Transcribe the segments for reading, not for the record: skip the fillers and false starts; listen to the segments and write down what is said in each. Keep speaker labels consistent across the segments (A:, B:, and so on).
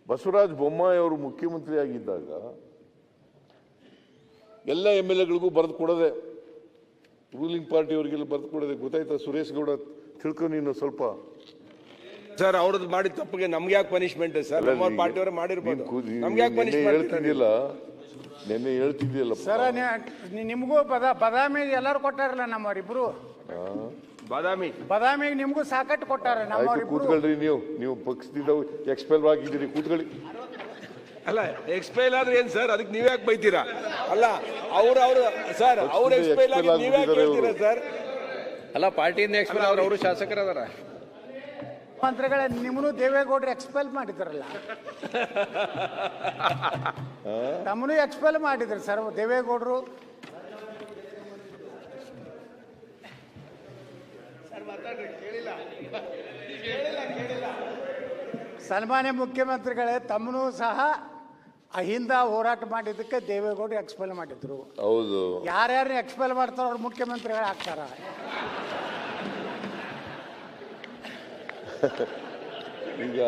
A: ಬಸವರಾಜ ಬೊಮ್ಮಾಯಿ ಅವರು ಮುಖ್ಯಮಂತ್ರಿ ಆಗಿದ್ದಾಗ ಎಲ್ಲ MLA ಗಳಿಗೂ ಬರೆದು ಕೊಡೋದೆ, ರೂಲಿಂಗ್ ಪಾರ್ಟಿ ಅವರಿಗೆಲ್ಲ ಬರೆದು ಕೊಡೋದೆ. ಗೊತ್ತಾಯ್ತಾ ಸುರೇಶ್ ಗೌಡ? ತಿಳ್ಕೊ ನೀನು ಸ್ವಲ್ಪ.
B: ಸರ್ ಅವ್ರದ್ದು ಮಾಡಿದ ತಪ್ಪಿಗೆ ನಮ್ಗೆ ಯಾಕೆ ಪನಿಷ್ಮೆಂಟ್ ಸರ್? ನಮ್ಮ ಪಾರ್ಟಿಯವರೇ ಮಾಡಿರ್ಬೋದು, ನಮ್ಗೆ ಯಾಕೆ ಪನಿಷ್ಮೆಂಟ್
A: ಹೇಳ್ತಿದ್ದಿಲ್ಲ? ನೆನ್ನೆ ಹೇಳ್ತಿದ್ದಿಲ್ಲ
C: ಸರ್. ನಿಮಗೂ ಬದಾಮಿ ಎಲ್ಲರೂ ಕೊಟ್ಟಾರಲ್ಲ ನಮ್ಮವರಿಬ್ರು. ಬದಾಮಿಗೆ ನಿಮಗೂ ಸಾಕಟ್ಟು ಕೊಟ್ಟಾರ ನಮ್ಮವರಿಬ್ರು.
A: ಕೂತ್ಕೊಳ್ರಿ, ನೀವು ಪಕ್ಷದಿಂದ ಎಕ್ಸ್ಪೆಲ್ ಆಗಿದ್ದೀರಿ, ಕೂತ್ಕೊಳ್ಳಿ.
B: ಅಲ್ಲ ಎಕ್ಸ್ಪೈಲ್ ಆದ್ರೆ ಏನ್ ಸರ್? ಅದಕ್ಕೆ ನೀವ್ಯಾಕೆ ಬೈತೀರಾ? ಅಲ್ಲ ಅವ್ರು ಸರ್ ಅವ್ರು ಎಕ್ಸ್ಪೈಲ್ ಆಗಿ ನೀವ್ಯಾಕೆ ಹೇಳ್ತೀರಾ ಸರ್?
D: ಅಲ್ಲ ಪಾರ್ಟಿಯಿಂದ ಎಕ್ಸ್ಪೈಲ್ ಅವರು ಶಾಸಕರದಾರ.
C: ಮಂತ್ರಿಗಳೇ ನಿಮ್ಮನ್ನು ದೇವೇಗೌಡರು ಎಕ್ಸ್ಪೆಲ್ ಮಾಡಿದ್ರಲ್ಲ, ತಮ್ಮನು ಎಕ್ಸ್ಪೆಲ್ ಮಾಡಿದ್ರು ಸರ್ ದೇವೇಗೌಡರು. ಸನ್ಮಾನ್ಯ ಮುಖ್ಯಮಂತ್ರಿಗಳೇ, ತಮ್ಮನು ಸಹ ಅಹಿಂದ ಹೋರಾಟ ಮಾಡಿದ್ದಕ್ಕೆ ದೇವೇಗೌಡರು ಎಕ್ಸ್ಪೆಲ್ ಮಾಡಿದ್ರು.
A: ಹೌದು,
C: ಯಾರ್ಯಾರು ಎಕ್ಸ್ಪೆಲ್ ಮಾಡ್ತಾರೋ ಅವ್ರು ಮುಖ್ಯಮಂತ್ರಿಗಳು ಆಗ್ತಾರ.
A: ಈಗ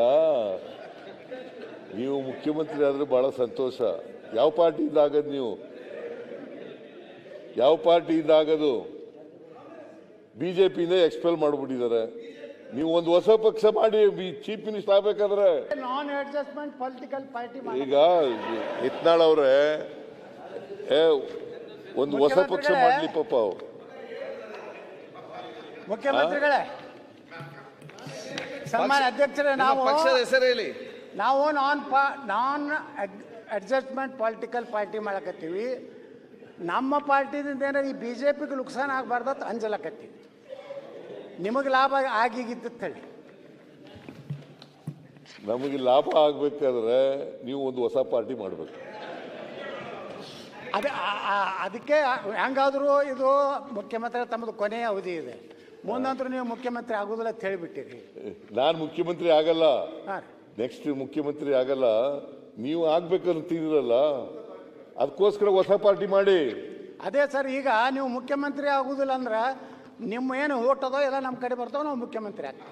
A: ನೀವು ಮುಖ್ಯಮಂತ್ರಿ ಆದ್ರೆ ಬಹಳ ಸಂತೋಷ. ಯಾವ ಪಾರ್ಟಿಯಿಂದ ಆಗದು? ನೀವು ಯಾವ ಪಾರ್ಟಿಯಿಂದ ಆಗದು? ಬಿಜೆಪಿಯಿಂದ ಎಕ್ಸ್ಪೆಲ್ ಮಾಡಿಬಿಟ್ಟಿದ್ದಾರೆ. ನೀವು ಒಂದು ಹೊಸ ಪಕ್ಷ ಮಾಡಿ ಚೀಫ್ ಮಿನಿಸ್ಟರ್ ಆಗ್ಬೇಕಾದ್ರೆ
C: ನಾನ್ ಅಡ್ಜಸ್ಟ್ಮೆಂಟ್ ಪೊಲಿಟಿಕಲ್ ಪಾರ್ಟಿ.
A: ಈಗ ಯತ್ನಾಳ್ ಅವರೇ ಒಂದು ಹೊಸ ಪಕ್ಷ ಮಾಡ್ಲಿ ಪಾಪ ಅವ್ರು.
C: ಮುಖ್ಯಮಂತ್ರಿಗಳೇ, ಸನ್ಮಾನ್ಯ ಅಧ್ಯಕ್ಷರೇ,
D: ಪಕ್ಷದ ಹೆಸರು ಹೇಳಿ.
C: ನಾವು ನಾನ್ ಅಡ್ಜಸ್ಟ್ಮೆಂಟ್ ಪೊಲಿಟಿಕಲ್ ಪಾರ್ಟಿ ಮಾಡಕತ್ತೀವಿ. ನಮ್ಮ ಪಾರ್ಟಿದಿಂದ ಏನಾರ ಈ BJPಗೆ ನುಕ್ಸಾನ ಆಗಬಾರ್ದು ಅಂತ ಅಂಜಲಕತ್ತೀವಿ. ನಿಮಗೆ ಲಾಭ ಆಗಿಗಿದ್ದು ಹೇಳಿ.
A: ನಮಗೆ ಲಾಭ ಆಗ್ಬೇಕಾದ್ರೆ ನೀವು ಒಂದು ಹೊಸ ಪಾರ್ಟಿ ಮಾಡಬೇಕು.
C: ಅದಕ್ಕೆ ಹೆಂಗಾದರೂ ಇದು ಮುಖ್ಯಮಂತ್ರಿ ತಮ್ಮದು ಕೊನೆಯ ಅವಧಿ ಇದೆ, ಮುಂದಂತರೂ ನೀವು ಮುಖ್ಯಮಂತ್ರಿ ಆಗೋದಿಲ್ಲ ಅಂತ ಹೇಳಿಬಿಟ್ಟಿರಿ.
A: ನಾನು ಮುಖ್ಯಮಂತ್ರಿ ಆಗಲ್ಲ,
C: ಹಾಂ,
A: ನೆಕ್ಸ್ಟ್ ಮುಖ್ಯಮಂತ್ರಿ ಆಗಲ್ಲ. ನೀವು ಆಗ್ಬೇಕಂತಿದ್ರಲ್ಲ, ಅದಕ್ಕೋಸ್ಕರ ಹೊಸ ಪಾರ್ಟಿ ಮಾಡಿ.
C: ಅದೇ ಸರ್, ಈಗ ನೀವು ಮುಖ್ಯಮಂತ್ರಿ ಆಗುದಿಲ್ಲ ಅಂದ್ರೆ ನಿಮ್ಮ ಏನು ಓಟ್ ಅದೋ ಎಲ್ಲ ನಮ್ಮ ಕಡೆ ಬರ್ತಾವೆ, ನಾವು ಮುಖ್ಯಮಂತ್ರಿ ಆಗ್ತೀವಿ.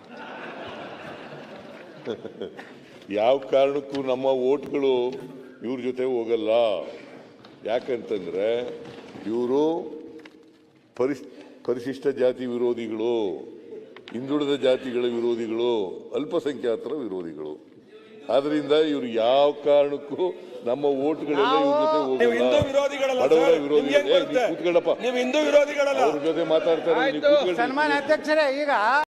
A: ಯಾವ ಕಾರಣಕ್ಕೂ ನಮ್ಮ ಓಟ್ಗಳು ಇವ್ರ ಜೊತೆ ಹೋಗಲ್ಲ. ಯಾಕಂತಂದ್ರೆ ಇವರು ಪರಿಶಿಷ್ಟ ಜಾತಿ ವಿರೋಧಿಗಳು, ಹಿಂದುಳಿದ ಜಾತಿಗಳ ವಿರೋಧಿಗಳು, ಅಲ್ಪಸಂಖ್ಯಾತರ ವಿರೋಧಿಗಳು. ಆದ್ರಿಂದ ಇವರು ಯಾವ ಕಾರಣಕ್ಕೂ ನಮ್ಮ ಓಟ್ಗಳೆಲ್ಲ ಇವ್ರ ಜೊತೆ ಹೋಗಲ್ಲ. ಬಡವರ ವಿರೋಧಿಗಳು. ಕೂತ್ಕೊಳ್ಳಪ್ಪ,
B: ನೀವು ಹಿಂದೂ ವಿರೋಧಿಗಳಲ್ಲ.
A: ಅವ್ರ ಜೊತೆ ಮಾತಾಡ್ತಾರೆ.
C: ಸನ್ಮಾನ್ಯ ಅಧ್ಯಕ್ಷರೇ, ಈಗ